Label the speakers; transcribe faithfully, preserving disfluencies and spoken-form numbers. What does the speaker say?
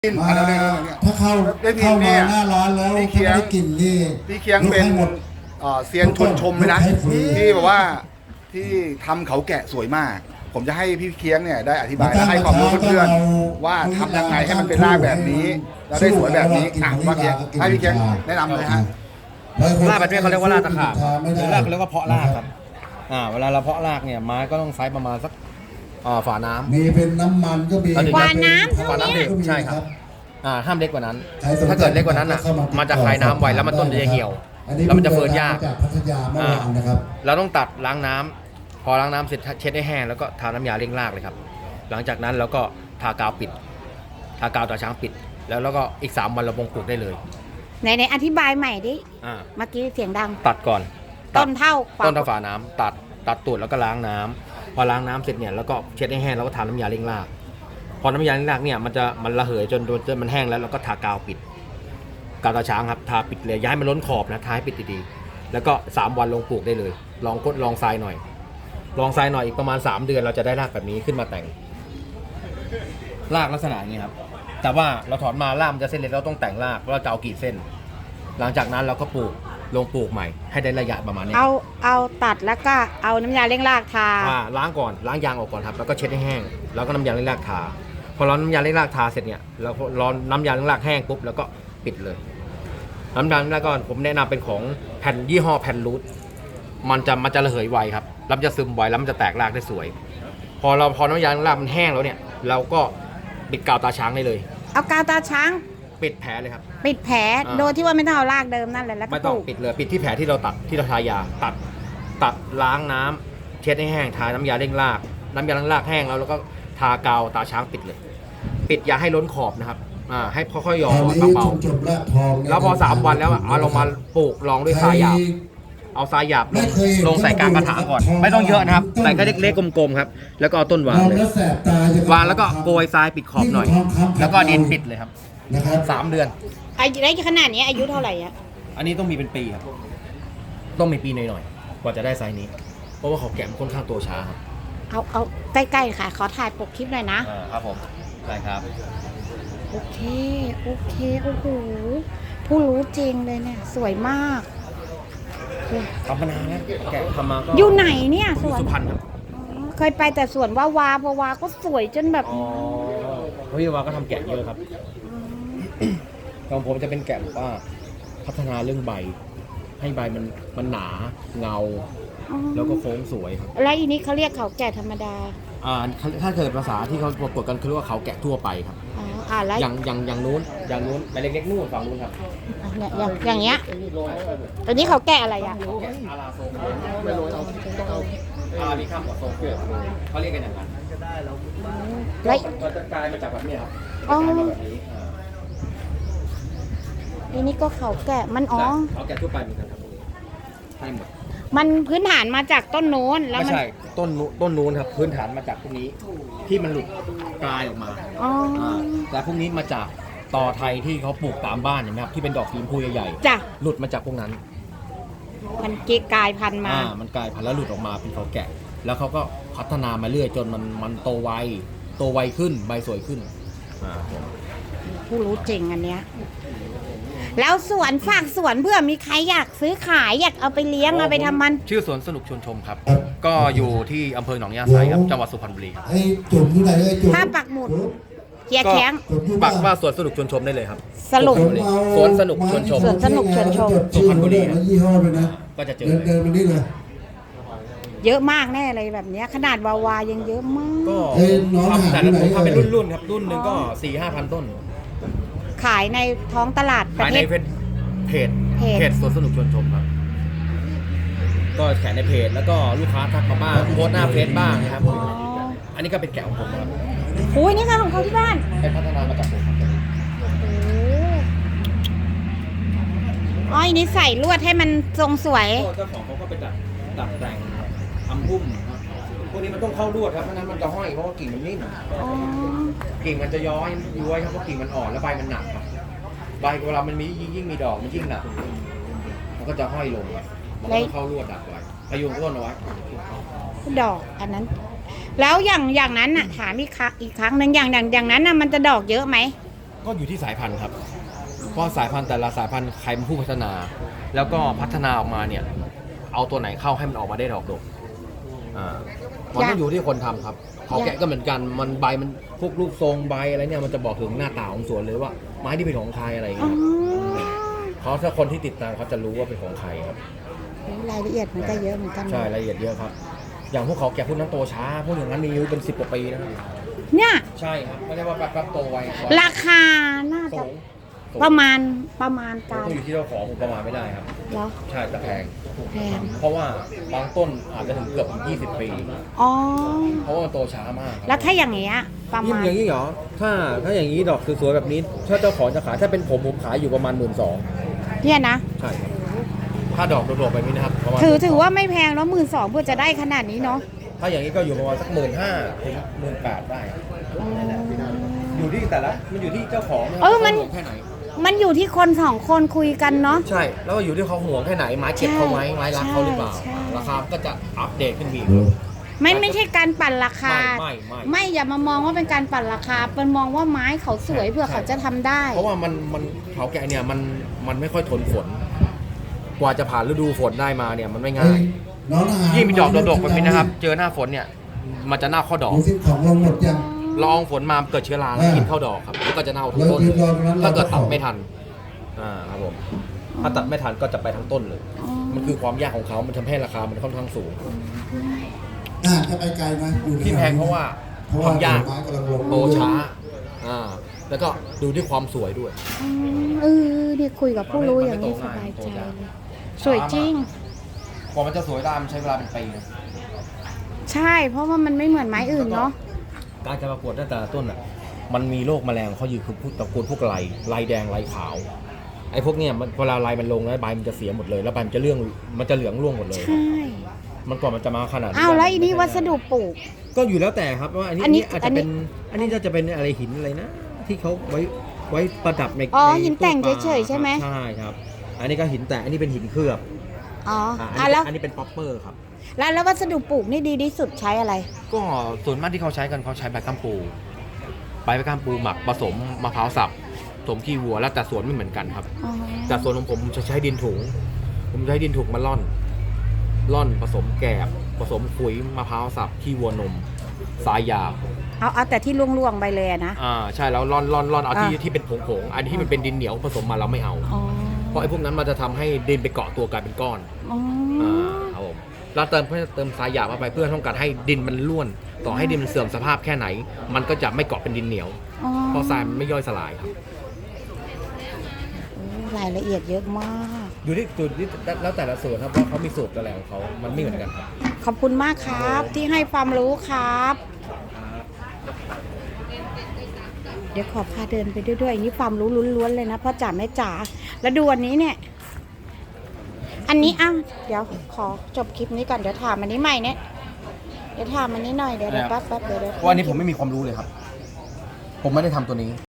Speaker 1: กินอันนั้นเนี่ย
Speaker 2: ถ้าเข้าเข้ามาหน้าร้อนแล้วถ้าไม่ได้กินนี่
Speaker 1: พี่เคียงเป็นเซียนชนชมเลยนะที่แบบว่าที่ทำเขาแกะสวยมาก ผมจะให้พี่เคียงเนี่ยได้อธิบายและให้ความรู้เพื่อนๆว่าทำยังไงให้มันเป็นรากแบบนี้แล้วได้สวยแบบนี้อ่ะว่าเคียงให้พี่เคียงแนะนำเลยฮะ
Speaker 3: รากแบบนี้เขาเรียกว่ารากตะขาบหรือรากเขาเรียกว่าเพาะรากครับอ่าเวลาเราเพาะรากเนี่ยไม้ก็ต้องไซส์ประมาณสักอ่าฝาน้ำ
Speaker 2: มีเป็นน้ำมันก็มี
Speaker 3: ฝาน้ำฝาน้ำเด็กใช่ครับอ่าห้ามเล็กกว่านั้นถ้าเกิดเล็กกว่านั้นอ่ะมันจะคายน้ำไวแล้วมันต้นจะเหี่ยวแล้วมันจะเฟิร์นยากเราต้องตัดล้างน้ำพอล้างน้ำเสร็จเช็ดให้แห้งแล้วก็ทาน้ำยาเร่งรากเลยครับหลังจากนั้นเราก็ทากาวปิดทากาวตาช้างปิดแล้วแล้วก็อีกสามวันเราปลูกได้เลย
Speaker 4: ไหนไหนอธิบายใหม่ดิเมื่อกี้เสียงดัง
Speaker 3: ตัดก่อน
Speaker 4: ต้นเท่า
Speaker 3: ต้นเท่าฝาน้ำตัดตัดตูดแล้วก็ล้างน้ำพอล้างน้ำเสร็จเนี่ยแล้วก็เช็ดให้แห้งแล้วก็ทาน้ำยาเร่งรากพอน้ำยาเร่งรากเนี่ยมันจะมันระเหยจนจนมันแห้งแล้วเราก็ทากาวปิดกาวตาช้างครับทาปิดเลยย้ายมันล้นขอบนะทาให้ปิดดีๆแล้วก็สามวันลงปลูกได้เลยลองกดลองทรายหน่อยลองทรายหน่อยอีกประมาณสามเดือนเราจะได้รากแบบนี้ขึ้นมาแต่งรากลักษณะนี้ครับแต่ว่าเราถอนมารากมันจะเส้นเล็กเราต้องแต่งรากเราจะเอากี่เส้นหลังจากนั้นเราก็ปลูกลงปลูกใหม่ให้ได้ระยะประมาณนี้
Speaker 4: เอาเอาตัดแล้วก็เอาน้ำยาเร่งรากทา
Speaker 3: ล้างก่อนล้างยางออกก่อนครับแล้วก็เช็ดให้แห้งแล้วก็น้ำยาเร่งรากทาพอเราน้ำยาเร่งรากทาเสร็จเนี่ยเรารอน้ำยาเร่งรากแห้งปุ๊บแล้วก็ปิดเลยน้ำยาเร่งรากก่อนผมแนะนำเป็นของแผ่นยี่ห้อแผ่นรูทมันจะมันจะระเหยไวครับแล้วมันจะซึมไวแล้วมันจะแตกรากได้สวยพอเราพอน้ำยาเร่งรากมันแห้งแล้วเนี่ยเราก็ปิดกาวตาช้างได้เลย
Speaker 4: เอากาวตาช้าง
Speaker 3: ปิดแผลเลยครับ
Speaker 4: ปิดแผลโดยที่ว่าไม่ต้องเอารากเดิมนั่นแหละแล้วก็
Speaker 3: ไม่ต้องปิดเลยปิดที่แผลที่เราตัดที่เราทายาตัดตัดล้างน้ำเช็ดให้แห้งทาน้ำยาเร่งรากน้ำยาเร่งรากแห้งแล้วแล้วก็ทากาวตาช้างปิดเลยปิดอย่าให้ล้นขอบนะครับอ่าให้ค่อยๆหยอดเบาๆแล้วพอสามวันแล้วเอาลงมาปลูกลองด้วยทรายหยาบเอาทรายหยาบลงลงใส่กลางกระถางก่อนไม่ต้องเยอะนะครับใส่แค่เล็กๆกลมๆครับแล้วก็เอาต้นวางเลยวางแล้วก็โกยทรายปิดขอบหน่อยแล้วก็ดินปิดเลยครับสามเดือน
Speaker 4: อายุได้ขนาดนี้อายุเท่าไหร่อะ
Speaker 3: อันนี้ต้องมีเป็นปีครับต้องมีปีหน่อยๆกว่าจะได้ไซส์นี้เพราะว่าเขาแกะค่อนข้างตัวช้าครับ
Speaker 4: เอาเอาใกล้ๆค่ะขอถ่ายปกคลิปหน่อยนะ
Speaker 3: ครับผมใช่ครับ
Speaker 4: โอเคโอเคโอ้โหผู้รู้จริงเลยเนี่ยสวยมาก
Speaker 3: ทำมานานแล้วแกะทำมาก็
Speaker 4: อยู่ไหนเนี่ยสวน
Speaker 3: สุพรรณครับ
Speaker 4: เคยไปแต่สวนว่าวาเพราะวาก็สวยจนแบบ
Speaker 3: อ๋อพี่วาก็ทำแกะเยอะครับของผมจะเป็นแกะว่าพัฒนาเรื่องใบให้ใบมันมันหนาเงาแล้วก็โค้งสวยครับ
Speaker 4: แล้วอีนี้เขาเรียกเขาแกะธรรมดา
Speaker 3: อ่าถ้าเกิดภาษาที่เขาปรากฏกันคือเรียกว่าเขาแกะทั่วไปครับ
Speaker 4: อ๋ออ่าแล้ว
Speaker 3: อย่างอย่างอย่างนู้นอย่างนู้นใบเล็กๆนู่นฝั่งนู้นครับ
Speaker 4: เนี่ยอย่างอย่างเงี้ยตัวนี้เขาแกะอะไรอ่ะ
Speaker 3: อาราโซไม่รู้เอาต้องเอาอาราบิคัมกับโซโก้เขาเรียกกันอย่างนั้นแล้วมันจะกลายมาจากแบบนี้ครับ
Speaker 4: อ๋ออันนี้ก็เขาแกะมันอ๋อ
Speaker 3: เขาแกะทั่วไปเหมือนกันครับให้หมด
Speaker 4: มันพื้นฐานมาจากต้นโน้นแล้ว
Speaker 3: ไม่ใช่ต้นต้นโน้นครับพื้นฐานมาจากพวกนี้ที่มันหลุดกลายออกมา
Speaker 4: อ๋อ
Speaker 3: แต่พวกนี้มาจากต่อไทยที่เขาปลูกตามบ้านเห็นไหมครับที่เป็นดอกสีชมพูใหญ่
Speaker 4: ๆจ้ะ
Speaker 3: หลุดมาจากพวกนั้น
Speaker 4: มันกลายพันธุ์มา
Speaker 3: อ่ามันกลายพันธุ์แล้วหลุดออกมาเป็นเขาแกะแล้วเขาก็พัฒนามาเรื่อยจนมันมันโตไวโตไวขึ้นใบสวยขึ้นอ่า
Speaker 4: ผู้รู้จริงอันเนี้ยแล้วสวนฝากสวนเพื่อมีใครอยากซื้อขายอยากเอาไปเลี้ยงเอาไปทำมัน
Speaker 3: ชื่อสวนสนุกชวนชมครับก็อยู่ที่อำเภอหนองยาไซครับจังหวัดสุพรรณบุรีครับ
Speaker 2: ไอ้จุ่มที่ไหนไอ้จุ่ม
Speaker 4: ถ้าปักหมุดเฮียแข้ง
Speaker 3: ปักว่าสวนสนุกชวนชมได้เลยครับ
Speaker 4: สรุป
Speaker 3: สวนสนุกชวนชม
Speaker 4: สวนสนุกชวนชม
Speaker 3: สุพรรณบุรี
Speaker 2: ยี่ห้อไปนะ
Speaker 3: ก็จะเจอ
Speaker 2: เดินมานี่เลย
Speaker 4: เยอะมากแน่เลยแบบนี้ขนาดวาวายังเยอะมาก
Speaker 3: ก็ทำแต่ละผมทำเป็นรุ่นๆครับรุ่นหนึ่งก็สี่ห้าพันต้น
Speaker 4: ขายในท้องตลาดประเทศ
Speaker 3: เพจเพจสวนสนุกชวนชมครับก็แขนในเพจแล้วก็ลูกค้าทักมาบ้างโพสหน้าเฟซบ้างนะครับอันนี้ก็เป็นแกะของผมครับ
Speaker 4: โอ้ยนี่ค่ะของเขาที่บ้าน
Speaker 3: เป็นพัฒนามาจากผมครับ
Speaker 4: โอ้อ้อยนี่ใส่ลวดให้มันทรงสวย
Speaker 3: เจ้าของเขาก็ไปดัดดัดแต่งทำพุ่มพวกนี้มันต้องเข้าลวดครับเพราะนั้นมันจะห้อยเพราะว่ากิ่งมันนิ่มกิ่งมันจะย้อยย้อยครับเพราะกิ่งมันอ่อนแล้วใบมันหนักครับใบเวลามันมียิ่งมีดอกมันยิ่งหนักมันก็จะห้อยลงมันก็เข้าลวดดักไว้พยุงต้นเอาไว้
Speaker 4: ดอกอันนั้นแล้วอย่างอย่างนั้นน่ะถามอีกครั้งอีกครั้งหนึ่งอย่างอย่างอย่างนั้นน่ะมันจะดอกเยอะไหม
Speaker 3: ก็อยู่ที่สายพันธุ์ครับ เพราะสายพันธุ์แต่ละสายพันธุ์ใครเป็นผู้พัฒนา แล้วก็พัฒนาออกมาเนี่ย เอาตัวไหนเข้าให้มันออกมาได้ดอกดกอ่ามันก็อยู่ที่คนทำครับเขาแกะก็เหมือนกัน มันใบมันพวกรูปทรงใบอะไรเนี่ยมันจะบอกถึงหน้าตาของสวนเลยว่าไม้ที่เป็นของใครอะไรอย่าง
Speaker 4: อ๋อ
Speaker 3: เงี้ยเขาถ้าคนที่ติดตามเขาจะรู้ว่าเป็นของใครครับ
Speaker 4: รายละเอียดมันก็เยอะเหมือนกันนะ
Speaker 3: ใช่รายละเอียดเยอะครับ อย่างพวกเขาแกะพวกนั้นโตช้าพวกอย่างนั้นมีอายุเป็นสิบกว่าปีนะครับ
Speaker 4: เนี่ย
Speaker 3: ใช่ครับไม่ได้ว่าแป๊บๆโตไว
Speaker 4: ราคาน่า
Speaker 3: สู
Speaker 4: จะ
Speaker 3: ง
Speaker 4: ประมาณประมาณ
Speaker 3: ก็
Speaker 4: การ
Speaker 3: อยู่ที่เจ้าของผมประมาณไม่ได้ครับ
Speaker 4: เหรอ
Speaker 3: ใช่แต่แพง
Speaker 4: แพง
Speaker 3: เพราะว่าบางต้นอาจจะถึงเกือบยี่สิบปี
Speaker 4: อ๋อ
Speaker 3: เพราะว่ามันโตช้ามากครับ
Speaker 4: แล้วถ้าอย่างเงี้ยประ
Speaker 3: ยิ่ง
Speaker 4: มาณ
Speaker 3: อย่างนี้เหรอถ้าถ้าอย่างนี้ดอกสวยๆแบบนี้ ถ้าเจ้าของจะขายถ้าเป็นผมผมขายอยู่ประมาณหมื่นสอง
Speaker 4: เนี่ยนะ
Speaker 3: ใช่ครับถ้าดอกโดดๆแบบนี้นะครับประมาณ
Speaker 4: ถือถือว่าไม่แพงแล้วหมื่นสองเพื่อจะได้ขนาดนี้เนาะ
Speaker 3: ถ้าอย่างนี้ก็อยู่ประมาณสักหมื่นห้าถึงหมื่นแปดได้
Speaker 4: อ๋อ
Speaker 3: อยู่ที่แต่ละมันอยู่ที่เจ้าของะ
Speaker 4: เออมัน
Speaker 3: ขาห่วงแค่ไหน
Speaker 4: มันอยู่ที่คนสองคนคุยกันเนาะ
Speaker 3: ใช่ แล้วก็อยู่ที่เขาห่วงแค่ไหนไม้เก็บเขาไหมไม้รักเขาหรือเปล่า
Speaker 4: ใช่
Speaker 3: ราคาก็จะอัปเดตขึ้นอีก
Speaker 4: ไม่ไม่ใช่การปั่นราคา
Speaker 3: ไม่ไม่ไม่
Speaker 4: ไม่อย่ามามองว่าเป็นการปั่นราคาเป็นมองว่าไม้เขาสวยเพื่อเขาจะทำได้
Speaker 3: เพราะว่ามันมันเขาแกะเนี่ยมันมันไม่ค่อยทนฝน กว่าจะผ่านฤดูฝนได้มาเนี่ยมันไม่ง่าย
Speaker 2: น้องทหาร
Speaker 3: ยิ่งมีดอกดกๆแบบนี้นะครับ เจอหน้าฝนเนี่ย มันจะเน่าเข้าดอก
Speaker 2: ดูสิของลงหมดยัง
Speaker 3: ละอองฝนมาเกิดเชื้อราแล้ว
Speaker 2: เออ
Speaker 3: กินเข้าดอกครับแล้วก็จะเน่าทั้ง
Speaker 2: เรา
Speaker 3: ต้น
Speaker 2: ยืนรอตรงนั้น
Speaker 3: ถ้าเกิด
Speaker 2: เราก็
Speaker 3: ตัด
Speaker 2: ออก
Speaker 3: ไม่ทันอ่าครับผมถ้าตัดไม่ทันก็จะไปทั้งต้นเลย
Speaker 4: อ๋อ
Speaker 3: มันคือความยากของเขามันทำให้ราคามันค่อนข้างสูง
Speaker 2: อ่าจะไปไกลไหมอยู่
Speaker 3: ที่แพงเพราะว่า
Speaker 2: เพราะ
Speaker 3: ค
Speaker 2: ว่าว
Speaker 3: ามยาก
Speaker 2: ไม้กำลังลง
Speaker 3: โตช้าอ่าแล้วก็ดูที่ความสวยด้วย
Speaker 4: อืมเออเนี่ยคุยกับผู้รู้อย่างนี้สบายใจเลยสวยจริง
Speaker 3: กว่ามันจะสวยได้มันใช้เวลาเป็นปีนะ
Speaker 4: ใช่ เพราะว่ามันไม่เหมือนไม้อื่นเนาะ
Speaker 3: การจะประกวดแต่ละต้นอ่ะ มันมีโรคแมลงเขาอยู่คือพวกตระกูลพวกไรไรแดงไรขาว ไอ้พวกเนี้ยมันเวลาไรมันลงแล้วใบมันจะเสียหมดเลย แล้วใบมันจะเรื่องมันจะเหลืองร่วงหมดเลย
Speaker 4: ใช่
Speaker 3: มันกว่ามันจะมาขนาดนี้
Speaker 4: อ้าวแล้วอันนี้วัสดุปลูก
Speaker 3: ก็อยู่แล้วแต่ครับว่าอันนี้
Speaker 4: อั
Speaker 3: อั
Speaker 4: น
Speaker 3: น
Speaker 4: นี้
Speaker 3: นี้อาจจะเป็นอันนี้จะเป็นอะไรหินอะไรนะ ที่เขาไว้ไว้ประดับใน
Speaker 4: อ๋อ
Speaker 3: ใน
Speaker 4: หินแต่ง
Speaker 3: ตู้ปลา
Speaker 4: เฉยๆใช่ไหม
Speaker 3: ใช่ครับ อันนี้ก็หินแต่งอันนี้เป็นหินเคลือบ
Speaker 4: อ๋อ
Speaker 3: อ่า
Speaker 4: อ่ะ
Speaker 3: อัน
Speaker 4: แล้
Speaker 3: นี้
Speaker 4: ว
Speaker 3: อันนี้เป็นป๊อปเปอร์ครับ
Speaker 4: แล้วแล้ววัสดุปลูกนี่ดีที่สุดใช้อะไร
Speaker 3: ก็ส่วนมากที่เขาใช้กันเขาใช้ใบกัมปูใบกัมปูหมักผสมมะพร้าวสับผสมขี้วัวแล้วแต่สวนไม่เหมือนกันครับ
Speaker 4: อ๋อ
Speaker 3: แต่ส่วนของผมผมจะใช้ดินถุง ผมใช้ดินถุงมาล่อน ล่อนผสมแกบผสมขุยมะพร้าวสับขี้วัวนมสายยา
Speaker 4: เอาเอาแต่ที่ล่วงๆไปเลยอะนะ
Speaker 3: อ่าใช่แล้วล่อนล่อนล่อนเอาที่
Speaker 4: อ่า
Speaker 3: ที่เป็นผงผงๆอันที่มันเป็นดินเหนียวผสมมาเราไม่เอา
Speaker 4: อ๋อ
Speaker 3: เพราะไอ้พวกนั้นมันจะทำให้ดินไปเกาะตัวกลายเป็นก้อน
Speaker 4: อ๋อ
Speaker 3: อ่าครับผมเราเติมเพื่อเติมทรายหยาบเข้าไปเพื่อต้องการให้ดินมันร่วน ต่อให้ดินมันเสื่อมสภาพแค่ไหน มันก็จะไม่เกาะเป็นดินเหนียว
Speaker 4: อ๋อ
Speaker 3: เพราะทรายมันไม่ย่อยสลายครับ
Speaker 4: โอ้รายละเอียดเยอะมาก
Speaker 3: อยู่ที่จุดที่แล้วแต่ละส่วนครับว่าเขามีสูตรอะไรของเขามันไม่เหมือนกันครับ
Speaker 4: ขอบคุณมากครับ ที่ให้ความรู้ครับ เดี๋ยวขอพาเดินไปด้วยด้วยอันนี้ความรู้ล้วนๆเลยนะพ่อจ๋าแม่จ๋าแล้วดูอันนี้เนี่ย อันนี้อ้าวเดี๋ยวขอจบคลิปนี้ก่อนเดี๋ยวถามอันนี้ใหม่เนี่ยเดี๋ยวถามอันนี้หน่อยเดี๋ยวเดี๋ยวแป๊บแป๊บเดี๋ยวเดี๋ยว
Speaker 3: ว่าอันนี้ผมไม่มีความรู้เลยครับ ผมไม่ได้ทำตัวนี้